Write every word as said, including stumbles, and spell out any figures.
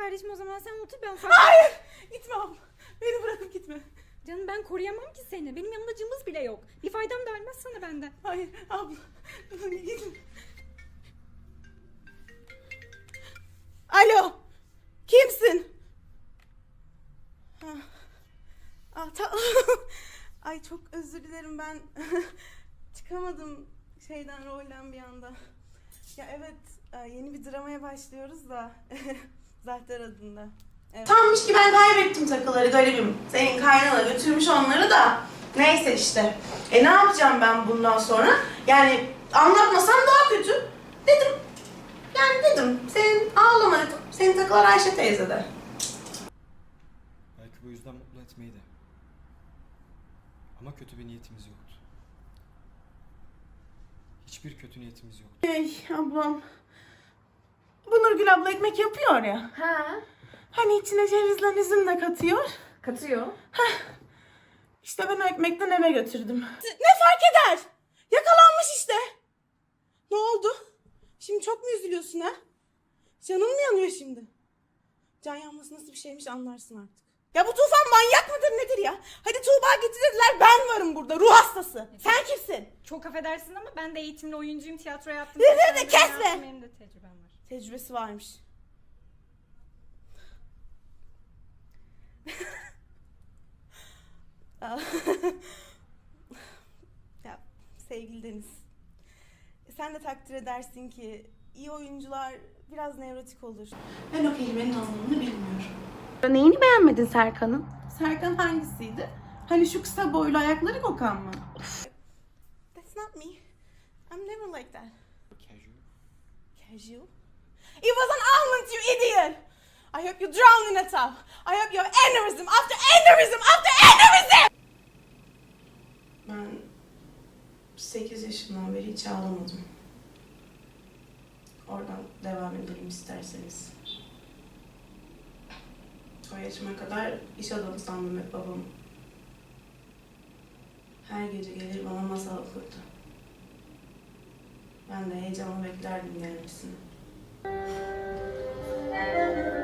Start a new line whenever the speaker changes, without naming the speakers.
kardeşim, o zaman sen otur, ben ufak...
Hayır! Gitme abla. Beni bırakıp gitme.
Canım ben koruyamam ki seni. Benim yanımda cımbız bile yok. Bir faydam da olmaz sana benden.
Hayır abla. Gitme. Alo. Kimsin? Ha. Ah, ta- Ay çok özür dilerim, ben çıkamadım şeyden, rolden bir anda. Ya evet, yeni bir dramaya başlıyoruz da Zahter adında. Evet. Sanmış ki ben kaybettim takıları, garibim. Senin kaynana götürmüş onları da. Neyse işte. E ne yapacağım ben bundan sonra? Yani anlatmasam daha kötü. Dedim. Yani dedim. Senin ağlama dedim. Senin takılar Ayşe teyzede.
Belki bu yüzden mutlu etmeydi. Ama kötü bir niyetimiz yoktu. Hiçbir kötü niyetimiz yoktu.
Ey ablam. Bu Nurgül abla ekmek yapıyor ya.
Ha,
Hani içine cevizle üzüm de katıyor.
katıyor.
İşte ben o ekmekten eve götürdüm. Ne fark eder? Yakalanmış işte. Ne oldu? Şimdi çok mu üzülüyorsun ha? Canın mı yanıyor şimdi? Can yanması nasıl bir şeymiş anlarsın artık. Ya bu Tufan manyak mıdır nedir ya? Hadi Tuğba getirdiler, ben varım burada, ruh hastası. Sen kimsin?
Çok affedersin ama ben de eğitimli oyuncuyum, tiyatro yaptım.
Ne, ne, ne,
Sen de
kesme!
yaptın, benim de tecrübem var.
Tecrübesi varmış. Ya sevgili Deniz, sen de takdir edersin ki iyi oyuncular biraz nevrotik olur. Ben o kelimenin anlamını bilmiyorum.
Neyini beğenmedin Serkan'ın?
Serkan hangisiydi? Hani şu kısa boylu ayakları kokan mı? That's not me. I'm never like that.
Casual.
Casual? It was an almond, you idiot! I hope you drown in a tub. I hope you have aneurysm after aneurysm after aneurysm! Ben sekiz yaşımdan beri hiç ağlamadım. Oradan devam edelim isterseniz. O yaşıma kadar iş adamı sandım hep babamı. Her gece gelir bana masal okurdu. Ben de heyecanla beklerdim gelmesini.